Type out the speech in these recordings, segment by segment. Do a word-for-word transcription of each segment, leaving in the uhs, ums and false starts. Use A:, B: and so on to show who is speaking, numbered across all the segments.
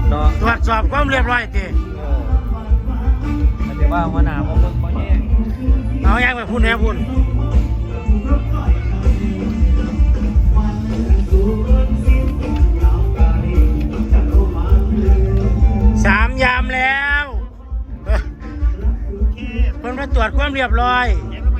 A: เนาะ
B: ตรวจสอบความเรียบร้อยที
A: แต่ว่าหัวหน้าผมเขาแย่ง
B: เอาแย่งไปพูดแน่พูดสามยามแล้วเพิ่นมาตรวจความเรียบร้อย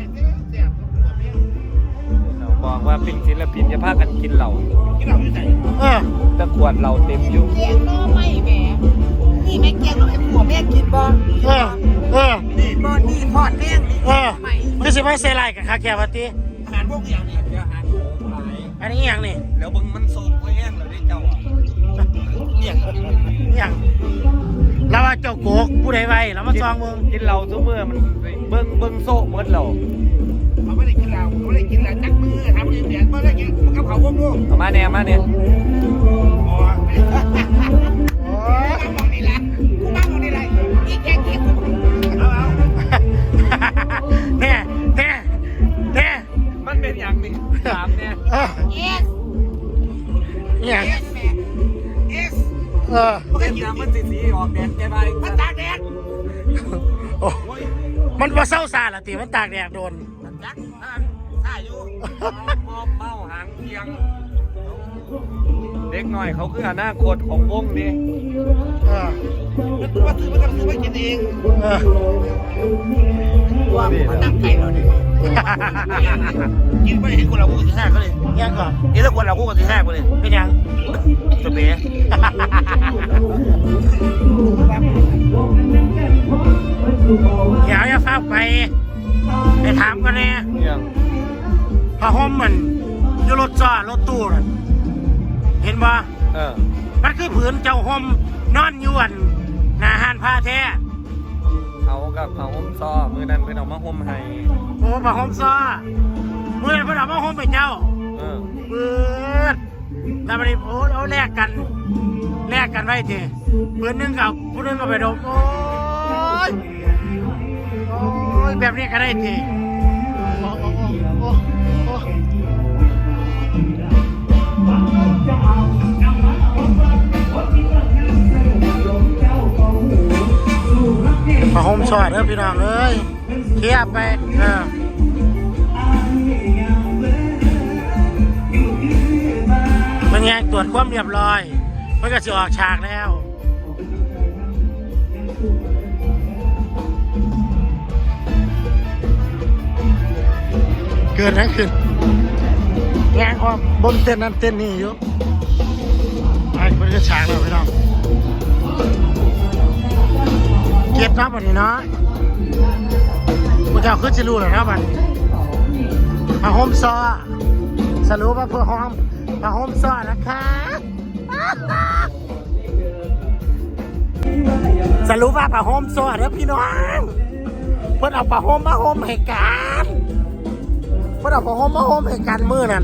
A: บอกว่าเป็นศิลปินจะพากันกินเหล้า
B: เออ
A: ตะขวดเหล้าเต็มอยู่
C: เกียงน้อไม่แหมนี่แม่เกียงน้อไอ้ผัวแม่กินบ่
B: เออเออ
C: นี่บ่นี่ทอดแม่งนี่
B: เออไม่ใช่ไม่ใส่ลายกับคาแคร์ปฏิ
C: อาหารพวกอย่างนี้เดี๋ยวอาหารหลาย
B: อันนี้อย่างนี่
C: แล้วบึงมันโซกไว้แห้งแล้วได้เจ้าอ่ะ
B: อย่างอย่างเราว่าเจ้าโกกผู้ใดไว้เรามาซองมึง
A: กินเหล้าทุกมื้อมันเบิ่งเบิ่งโซ่หมดเหล้า
C: เขาไม่ได้กินเหล้าเขาไม่ได้กินเหล้าจักมือทำเรียนๆไม่ได้กินมันกับเขาวงลูก
A: เอามาเนี่ยมาเนี่ย
C: โอ้โหมองนี่แหละกูมามองนี่แหละอีแกงเก็บเอาเอา
B: แน่แน่แน่
A: มันเป็นอย่างนี้ถามเนี่ย
C: เอส
B: อย่าง
C: เอสแม่เอส
B: เออ
A: มันเป็นอย่างมันสีสีออกแดดแกไป
C: มันตากแดด
B: โอ้มันว่าเศร้าซาละตีมันตากแดดโดน
C: จักนั่นท่าอยู่
A: มอมเมาหางเทียงเด็กหน่อยเขาคืออนาคตของวงนี้
B: เออ
C: มันว่าซื้อมันก็ซื้อไปกินเอง
B: เออ
C: ว่ามันตั้งใจเราดิกินไม่เห็นคนเราคู่กับที่แท้ก็เลย
B: ยังก่อน
C: นี่แล้วคนเราคู่กับที่แท้ก็เลย
B: เป็นยัง
C: สเปรย์
B: เดี๋ยวจะฟ้าไปไปถามกันเนี่ยพระห่มมันอยู่รถจอดรถตู้น่ะเห็นบ่
A: เออ
B: มันคือผืนเจ้าห่มนอนยวนหน้าห้านผ้าแท้
A: เขากับเขาห่มซ้อมือนั้นเป็นเอามาห่มให้
B: โอ้ผ้าห่มซ้อมือนั้นเป็นเอามาห่มไปเจ้า
A: เออ
B: เปิดแล้วมันโอ้เอาแลกกันแลกกันไว้ทีผืนนึงกับผู้นึงก็ไปดมโอ้ยโอ้ยแบบนี้ก็ได้ทีโอ้โอ้โอ้โอ้ผ้าห่มซ้อเด้อพี่น้องเอ้ยเทียบไปเออมันไงตรวจความเรียบร้อยมันก็จะออกฉากแล้วเกิดอะไรขึ้นงานความบนเต้นนั้นเต้นนี่อยู่ไอ้มันก็ฉากแล้วพี่น้องเก็บนับวันนี้เนาะกูจะขึ้นจะรู้เลยนะวันผ้าห่มซ้อสรุปว่าเพื่อห้องผ้าห่มซ้อนะคะสรุปว่าผ้าห่มซ้อเด้อพี่น้องเพื่อนเอาผ้าห่มมาห่มให้กันเพื่อนเอาผ้าห่มมาห่มให้กันมือนั่น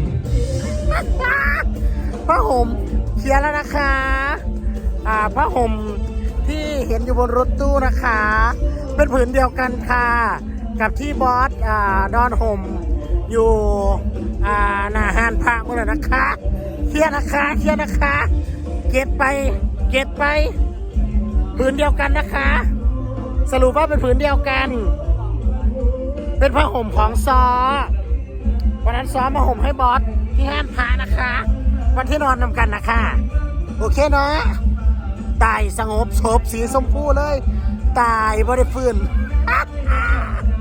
B: ผ้าห่มเคลียร์แล้วนะคะอ่าผ้าห่มที่เห็นอยู่บนรถตู้นะคะเป็นผืนเดียวกันค่ะกับที่บอสอ่าดอนห่มอยู่อ่าหน้าห้านพระเมื่อไหร่นะคะเคลียร์นะคะเคลียร์นะคะเก็บไปเก็บไปผืนเดียวกันนะคะสรุปว่าเป็นผืนเดียวกันเป็นผ้าห่มของซอวันนั้นซอมาห่มให้บอสที่ห้านพระนะคะวันที่นอนนำกันนะคะโอเคเนาะตายสงบศพสีชมพูเลยตายบ่ได้ฟื้น